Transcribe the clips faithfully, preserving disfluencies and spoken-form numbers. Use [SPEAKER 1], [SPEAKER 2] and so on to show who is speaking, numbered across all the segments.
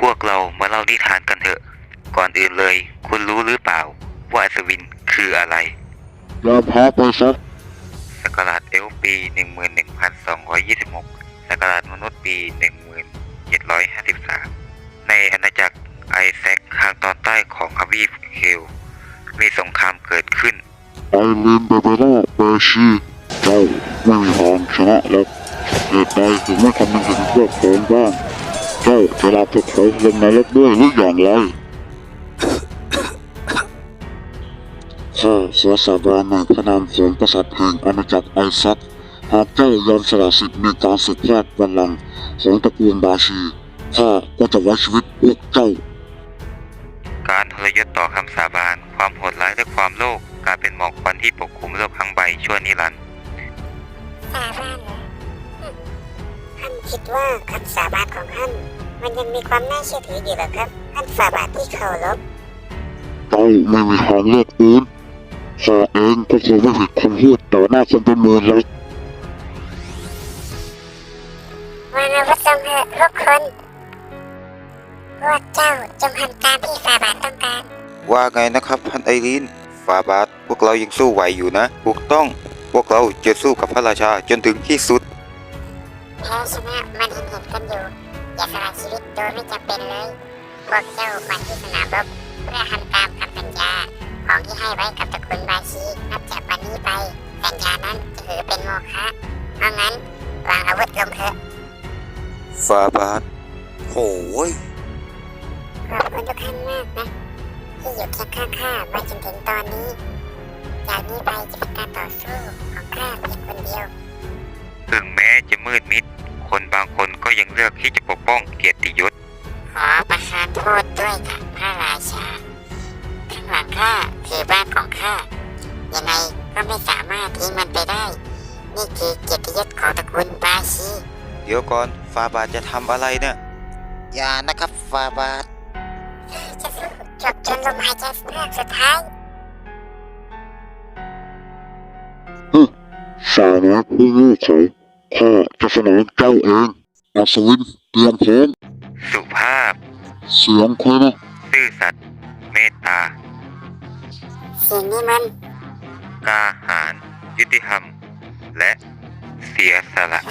[SPEAKER 1] พวกเรามาเล่านิทานกันเถอะก่อนอื่นเลยคุณรู้หรือเปล่าว่าอัศวินคืออะไร
[SPEAKER 2] ยอมแพ้ไปซะ
[SPEAKER 1] ศักราชเอลฟ์ปี หนึ่งหมื่นหนึ่งพันสองร้อยยี่สิบหก ศักราชมนุษย์ปี หนึ่งหมื่นเจ็ดร้อยห้าสิบสาม ในอาณาจักรไอแซคทางตอนใต้ของทวีปเคลมีสงครามเกิดขึ้น
[SPEAKER 2] ไอรินเบเบล่าเบอร์ชีเจ้าไม่มีทางชนะแล้วเหตุใดถึงไม่คำนึงถึงพวกเขาบ้างเจ้าจะรับพวกเขาลงนรกด้วยหรืออย่างไรข้าเสียสาบานในพระนามของกษัตริย์แห่งอาณาจักรไอแซคหากเจ้ายอมสละสิทธิ์ในการสืบทอดบัลลังก์ของตระกูลบาชีข้าก็จะไว้ชีวิตพวกเจ้า
[SPEAKER 1] การทรยศต่อคำสาบานความโหดร้ายและความโลภกลายเป็นหมอกควันที่ปกคลุมโลกทั้งใบชั่วนิรันดร์
[SPEAKER 3] สาบานเหรอท่านคิดว่าคำสาบานของท่านมันยังมีความน่าเชื่อถืออยู่หรอครับท่านสาบานที่เคารพ
[SPEAKER 2] เจ้าไม่มีทางเลือกอื่นข้าเองก็คงไม่ผิดคำพูดต่อหน้าคนเป็นหมื่นเลย
[SPEAKER 3] วันอาวุธจงเถอะทุกคนพวกเจ้าจงทำตามที่ฟาบาทต้องการ
[SPEAKER 1] ว่าไงนะครับท่านไอรีนฟาบาทพวกเรายังสู้ไหวอยู่นะถูกต้องพวกเราจะสู้กับพระราชาจนถึงที่สุด
[SPEAKER 3] แพ้ชนะมันเห็นเห็นกันอยู่อย่าสละชีวิตโดยไม่จำเป็นเลยพวกเจ้ามาที่สนามรบเพื่อทำตามคำสัญญาของที่ให้ไว้กับตระกูลบาชีนับจากวันนี้ไปสัญญานั้นจะถือเป็นโมฆะเพราะงั้นวางอาวุธลงเถอะ
[SPEAKER 1] ฟาบาทโอ้ย
[SPEAKER 3] ขอบคุณทุกท่านมากนะที่อยู่เคียงข้างข้ามาจนถึงตอนนี้จากนี้ไปจะเป็นการต่อสู้ของข้าเพียงคนเดียว
[SPEAKER 1] ถึงแม้จะมืดมิดคนบางคนก็ยังเลือกที่จะปกป้องเกียรติยศ
[SPEAKER 3] ขอประทานโทษด้วยค่ะพระราชาข้างหลังข้าคือบ้านของข้ายังไงก็ไม่สามารถทิ้งมันไปได้นี่คือเกียรติยศของตระกูลบาชี
[SPEAKER 1] เดี๋ยวก่อนฟาบาทจะทำอะไรเนี่ย
[SPEAKER 4] อย่านะครับฟาบาท
[SPEAKER 3] จะสู้จบจนลมหายใจเฮือกสุดท้าย
[SPEAKER 2] ฮึสานะผู้โง่เขลาข้าจะสนองเจ้าเองอัศวินเตรียมพร้อม
[SPEAKER 1] สุภาพ
[SPEAKER 2] เสียงใครนะ
[SPEAKER 1] ซื่อสัตย์เมตตา
[SPEAKER 3] เสียงนี้มัน
[SPEAKER 1] กล้าหาญยุติธรรมและเสียสละ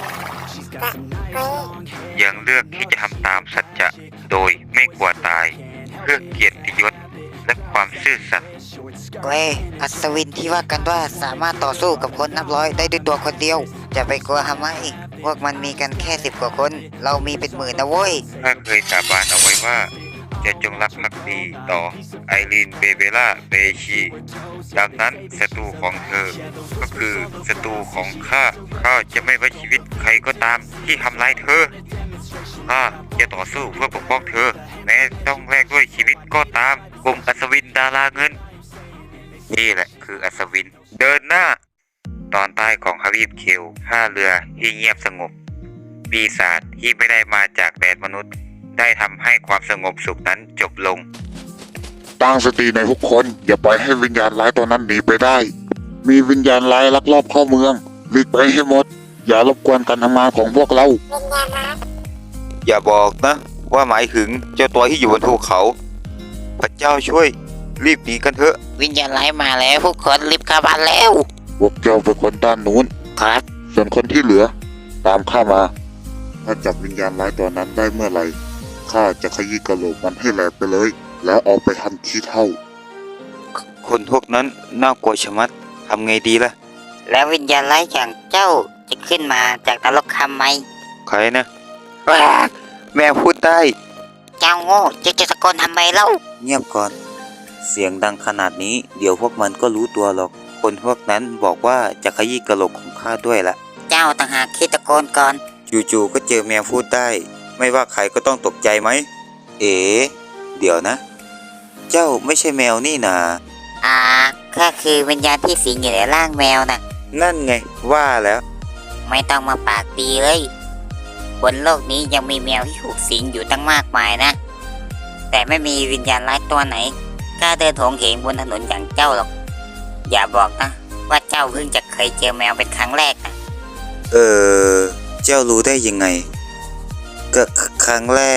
[SPEAKER 1] ยังเลือกที่จะทำตามสัจจะโดยไม่กลัวตายเพื่อเกียรติยศและความซื่อสัตย์
[SPEAKER 4] เกรอัศวินที่ว่ากันว่าสามารถต่อสู้กับคนนับร้อยได้ด้วยตัวคนเดียวจะไปกลัวทำไมพวกมันมีกันแค่สิบกว่าคนเรามีเป็นหมื่นนะเว้ย
[SPEAKER 1] ถ้าเคยสาบานเอาไว้ว่าจะจงรักภักดีต่อไอรีนเบเบล่าเบชีดังนั้นศัตรูของเธอก็คือศัตรูของข้าข้าจะไม่ไว้ชีวิตใครก็ตามที่ทำร้ายเธอข้าจะต่อสู้เพื่อปกป้องเธอแม้ต้องแลกด้วยชีวิตก็ตามกลุ่มอัศวินดาราเงินนี่แหละคืออัศวินเดินหน้าตอนใต้ของทวีปเคลท่าเรือที่เงียบสงบปีศาจที่ไม่ได้มาจากแดนมนุษย์ได้ทำให้ความสงบสุขนั้นจบลง
[SPEAKER 2] ตั้งสติในทุกคนอย่าปล่อยให้วิญญาณร้ายตัวนั้นหนีไปได้มีวิญญาณร้ายลักลอบเข้าเมืองหลีกไปให้หมดอย่ารบกวนการทำงานของพวกเรา
[SPEAKER 3] วิญญาณร้าย
[SPEAKER 1] อย่าบอกนะว่าหมายถึงเจ้าตัวที่อยู่บนภูเขาพระเจ้าช่วยรีบหนีกันเถอะ
[SPEAKER 4] วิญญาณร้ายมาแล้วพวกคนรีบเข้าบ้านแล้ว
[SPEAKER 2] พวกเจ้าเป็นคนด้านนู้น
[SPEAKER 4] ครับ
[SPEAKER 2] ส่วนคนที่เหลือตามข้ามาถ้าจับวิญญาณร้ายตัวนั้นได้เมื่อไหร่ข้าจะขยี้กระโหลกมันให้แหลกไปเลยแล้วเอาไปทำขี้เถ้า
[SPEAKER 1] คนพวกนั้นน่ากลัวชะมัดทำไงดีล่ะ
[SPEAKER 4] แล้ววิญญาณร้ายอย่างเจ้าจะขึ้นมาจากนรกคำไหม
[SPEAKER 1] ใครนะแม่พูดได้
[SPEAKER 4] เจ้าโง่จะจะตะโกนทำไมเล่า
[SPEAKER 1] เงียบก่อนเสียงดังขนาดนี้เดี๋ยวพวกมันก็รู้ตัวหรอกคนพวกนั้นบอกว่าจะขยี้กระโหลกของข้าด้วยละ
[SPEAKER 4] เจ้าต่างหากคิดตะโกนก่อน
[SPEAKER 1] จู่ๆก็เจอแมวพูดได้ไม่ว่าใครก็ต้องตกใจไหมเอ๋เดี๋ยวนะเจ้าไม่ใช่แมวนี่นา
[SPEAKER 4] อ่าข้าคือวิญญาณที่สิงอยู่ในร่างแมวน่ะ
[SPEAKER 1] นั่นไงว่าแล้ว
[SPEAKER 4] ไม่ต้องมาปากดีเลยบนโลกนี้ยังมีแมวที่ถูกสิงอยู่ตั้งมากมายนะแต่ไม่มีวิญญาณร้ายตัวไหนกล้าเดินโถงเหงบนถนนอย่างเจ้าหรอกอย่าบอกนะว่าเจ้าเพิ่งจะเคยเจอแมวเป็นครั้งแรกนะ
[SPEAKER 1] เออเจ้ารู้ได้ยังไงก็ครั้งแรก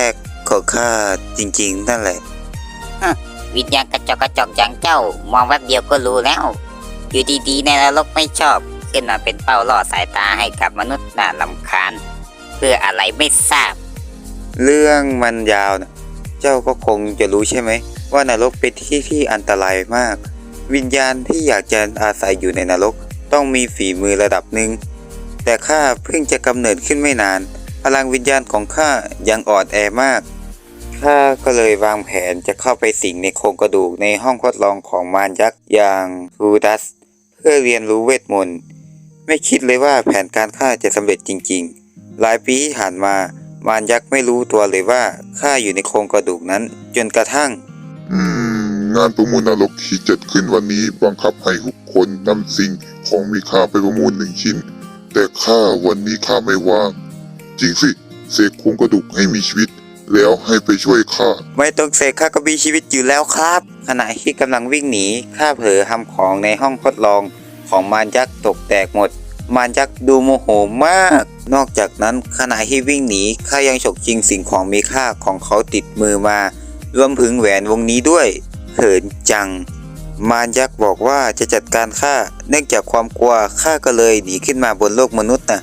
[SPEAKER 1] ของข้าจริงๆนั่นแหละ
[SPEAKER 4] วิญญาณกระจอกกระจอกอย่างเจ้ามองแวบเดียวก็รู้แล้ว อยู่ดีๆในนรกไม่ชอบ ขึ้นมาเป็นเป้าล่อสายตาให้กับมนุษย์น่าลำคาญ เพื่ออะไรไม่ทราบ
[SPEAKER 1] เรื่องมันยาวนะเจ้าก็คงจะรู้ใช่ไหมว่านรกเป็นที่ที่อันตรายมาก วิญญาณที่อยากจะอาศัยอยู่ในนรกต้องมีฝีมือระดับหนึ่งแต่ข้าเพิ่งจะกำเนิดขึ้นไม่นาน พลังวิญญาณของข้ายังอ่อนแอมากข้าก็เลยวางแผนจะเข้าไปสิงในโครงกระดูกในห้องทดลองของมารยักษ์อย่างทูดัสเพื่อเรียนรู้เวทมนต์ไม่คิดเลยว่าแผนการข้าจะสำเร็จจริงๆหลายปีที่ผ่านมามารยักษ์ไม่รู้ตัวเลยว่าข้าอยู่ในโครงกระดูกนั้นจนกระทั่ง
[SPEAKER 5] อืม งานประมูลนรกที่จัดขึ้นวันนี้บังคับให้ทุกคนนำสิ่งของมีค่าไปประมูลหนึ่งชิ้น แต่ข้าวันนี้ข้าไม่ว่าง จริงสิเสกโครงกระดูกให้มีชีวิต แล้วให้ไปช่วยข้า
[SPEAKER 1] ไม่ต้องเสกข้าก็มีชีวิตอยู่แล้วครับ ขณะที่กำลังวิ่งหนีข้าเผลอทำของในห้องทดลองของมารยักษ์ตกแตกหมด มารยักษ์ดูโมโหมาก นอกจากนั้นขณะที่วิ่งหนีข้ายังฉกชิงสิ่งของมีค่าของเขาติดมือมารวมถึงแหวนวงนี้ด้วยเขินจัง มารยักษ์บอกว่าจะจัดการข้าเนื่องจากความกลัวข้าก็เลยหนีขึ้นมาบนโลกมนุษย์นะ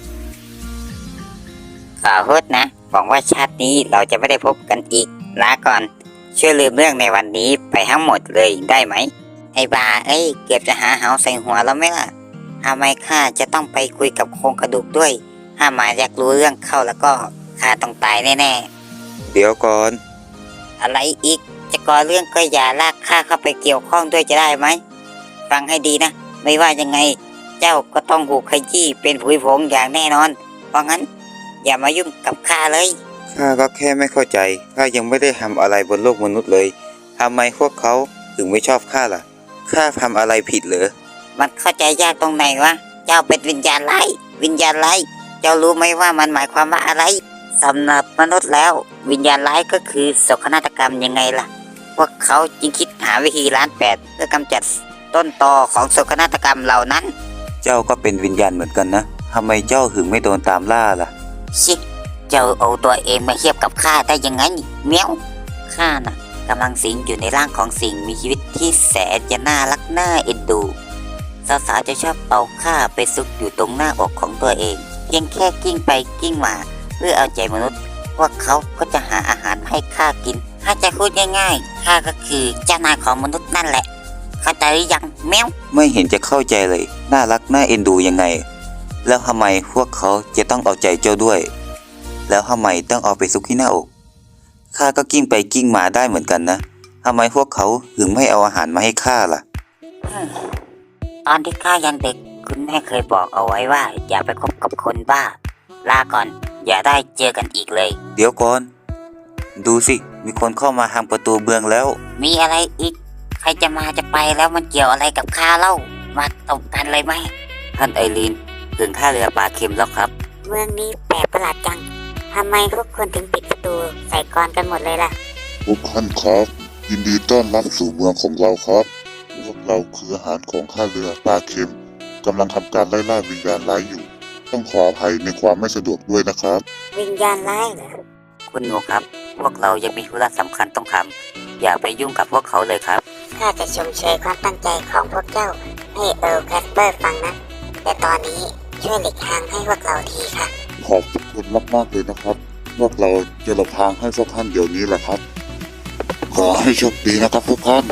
[SPEAKER 4] ขอโทษนะหวังว่าชาตินี้เราจะไม่ได้พบกันอีก ลาก่อน ช่วยลืมเรื่องในวันนี้ไปทั้งหมดเลยได้ไหม ไอ้บาเอ้ย เกือบจะหาเหาใส่หัวแล้วไหมล่ะทำไมข้าจะต้องไปคุยกับโครงกระดูกด้วย ถ้ามาอยากรู้เรื่องเข้าแล้วก็ข้าต้องตายแน่ๆ
[SPEAKER 1] เดี๋ยวก่อน
[SPEAKER 4] อะไรอีก จะก่อเรื่องก็อย่าลากข้าเข้าไปเกี่ยวข้องด้วยจะได้ไหม ฟังให้ดีนะ ไม่ว่ายังไง เจ้าก็ต้องถูกขยี้เป็นผุยผงอย่างแน่นอน เพราะงั้น อย่ามายุ่งกับข้าเลย
[SPEAKER 1] ข้าก็แค่ไม่เข้าใจข้ายังไม่ได้ทำอะไรบนโลกมนุษย์เลยทำไมพวกเขาถึงไม่ชอบข้าล่ะข้าทำอะไรผิดเหรอ
[SPEAKER 4] มันเข้าใจยากตรงไหนวะ เจ้าเป็นวิญญาณร้ายวิญญาณร้ายเจ้ารู้ไหมว่ามันหมายความว่าอะไรสำหรับมนุษย์แล้ว วิญญาณร้ายก็คือโศกนาฏกรรมยังไงล่ะ พวกเขาจึงคิดหาวิธีล้านแปดเพื่อกำจัดต้นตอของโศกนาฏกรรมเหล่านั้น
[SPEAKER 1] เจ้าก็เป็นวิญญาณเหมือนกันนะทำไมเจ้าถึงไม่โดนตามล่าล่ะ
[SPEAKER 4] ชิเจ้าเอาตัวเองมาเทียบกับข้าได้ยังไงเมียวข้าน่ะกำลังสิงอยู่ในร่างของสิ่งมีชีวิตที่แสนจะน่ารักน่าเอ็นดูสาวๆจะชอบเอาข้าไปซุกอยู่ตรงหน้าอกของตัวเองเพียงแค่กิ้งไปกิ้งมาเพื่อเอาใจมนุษย์พวกเขาก็จะหาอาหารให้ข้ากินถ้าจะพูดง่ายๆข้าก็คือเจ้านายของมนุษย์นั่นแหละเข้าใจหรือยังเมียว
[SPEAKER 1] ไม่เห็นจะเข้าใจเลยน่ารักน่าเอ็นดูยังไง แล้วทำไมพวกเขาจะต้องเอาใจเจ้าด้วย แล้วทำไมต้องเอาไปซุกที่หน้าอกข้าก็กิ้งไปกิ้งมาได้เหมือนกันนะทำไมพวกเขาถึงไม่เอาอาหารมาให้ข้าล่ะ
[SPEAKER 4] ตอนที่ข้ายังเด็กคุณแม่เคยบอกเอาไว้ว่าอย่าไปคบกับคนบ้า ลาก่อนอย่าได้เจอกันอีกเลย
[SPEAKER 1] เดี๋ยวก่อน ดูสิมีคนเข้ามาทางประตูเมืองแล้ว
[SPEAKER 4] มีอะไรอีก ใครจะมาจะไปแล้วมันเกี่ยวอะไรกับข้าเล่า มาตบกันเลยไหมท่านไอรีนถึงท่าเรือปลาเค็มแล้วครับ
[SPEAKER 3] เมืองนี้แปลกประหลาดจัง ทำไมทุกคนถึงปิดประตูใส่กลอนกันหมดเลยล่ะ
[SPEAKER 5] ทุกท่านครับยินดีต้อนรับสู่เมืองของเราครับพวกเราคืออาหารของข้าเรือปลาเค็มกำลังทำการไล่ล่าวิญญาณร้ายอยู่ ต้องขออภัยในความไม่สะดวกด้วยนะครับ
[SPEAKER 3] วิญญาณร้ายเหรอ
[SPEAKER 4] คุณหนูครับ พวกเรายังมีธุระสำคัญต้องทำอย่าไปยุ่งกับพวกเขาเลยครับ
[SPEAKER 3] ข้าจะชมเชยความตั้งใจของพวกเจ้าให้เอิร์ลแคสเปอร์ฟังนะ แต่ตอนนี้ช่วยหลีกทางให้พวกเราทีค่ะ
[SPEAKER 5] ขอบคุณมากๆเลยนะครับ พวกเราจะหลบทางให้พวกท่านเดี๋ยวนี้แหละครับ ขอให้โชคดีนะครับทุกท่าน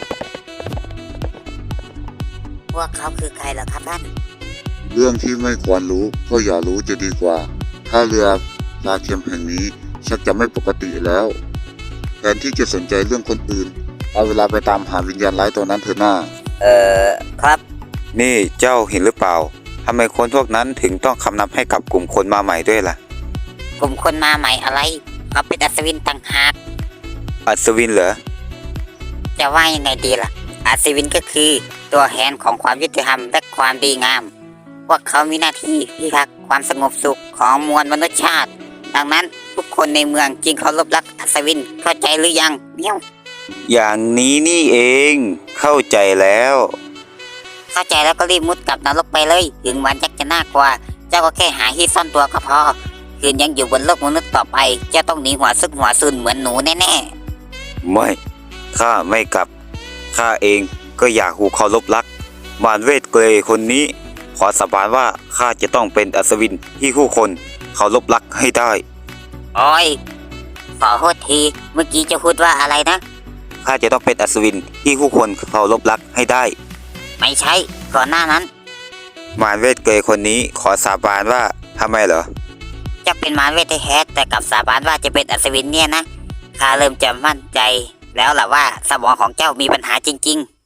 [SPEAKER 4] พวกเขาคือใครล่ะครับท่าน
[SPEAKER 5] เรื่องที่ไม่ควรรู้ก็อย่ารู้จะดีกว่าท่าเรือปลาเค็มแห่งนี้ชักจะไม่ปกติแล้วแทนที่จะสนใจเรื่องคนอื่น เอาเวลาไปตามหาวิญญาณร้ายตัวนั้นเถอะหน้า
[SPEAKER 4] เออครับ
[SPEAKER 1] นี่เจ้าเห็นหรือเปล่าทำไมคนพวกนั้นถึงต้องคำนับให้กับกลุ่มคนมาใหม่ด้วยล่ะ
[SPEAKER 4] กลุ่มคนมาใหม่อะไรเขาเป็นอัศวินต่างหาก
[SPEAKER 1] อัศวินเหรอ
[SPEAKER 4] จะว่ายังไงดีล่ะ อัศวินก็คือตัวแทนของความยุติธรรมและความดีงาม พวกเขามีหน้าที่พิทักษ์ความสงบสุขของมวลมนุษยชาติ ดังนั้นทุกคนในเมืองจึงเคารพรักอัศวินเข้าใจหรือยังเมียว
[SPEAKER 1] อย่างนี้นี่เองเข้าใจแล้ว
[SPEAKER 4] เข้าใจแล้วก็รีบมุดกลับนรกไปเลย ถึงมันยักษ์จะน่ากลัว เจ้าก็แค่หาที่ซ่อนตัวก็พอคืนยังอยู่บนโลกมนุษย์ต่อไปเจ้าต้องหนีหัวซึกหัวซุนเหมือนหนูแน่
[SPEAKER 1] ไม่ ข้าไม่กลับ ข้าเองก็อยากหูเคารพรักมารเวทเกรย์คนนี้ ขอสาบานว่าข้าจะต้องเป็นอัศวินที่ผู้คนเคารพรักให้ได้
[SPEAKER 4] ๆโอ้ยขอโทษทีเมื่อกี้เจะพูดว่าอะไรนะ
[SPEAKER 1] ข้าจะต้องเป็นอัศวินที่ผู้คนเคารพรักให้ได้
[SPEAKER 4] ไม่ใช่ก่อนหน้านั้น
[SPEAKER 1] มารเวทเกรย์คนนี้ขอสาบานว่าทำไมเหรอ
[SPEAKER 4] เจะเป็นมารเวทแท้ๆแต่กลับสาบานว่าจะเป็นอัศวินเนี่ยนะข้าเริ่มจะมั่นใจ แล้วล่ะว่าสมองของเจ้ามีปัญหาจริงๆ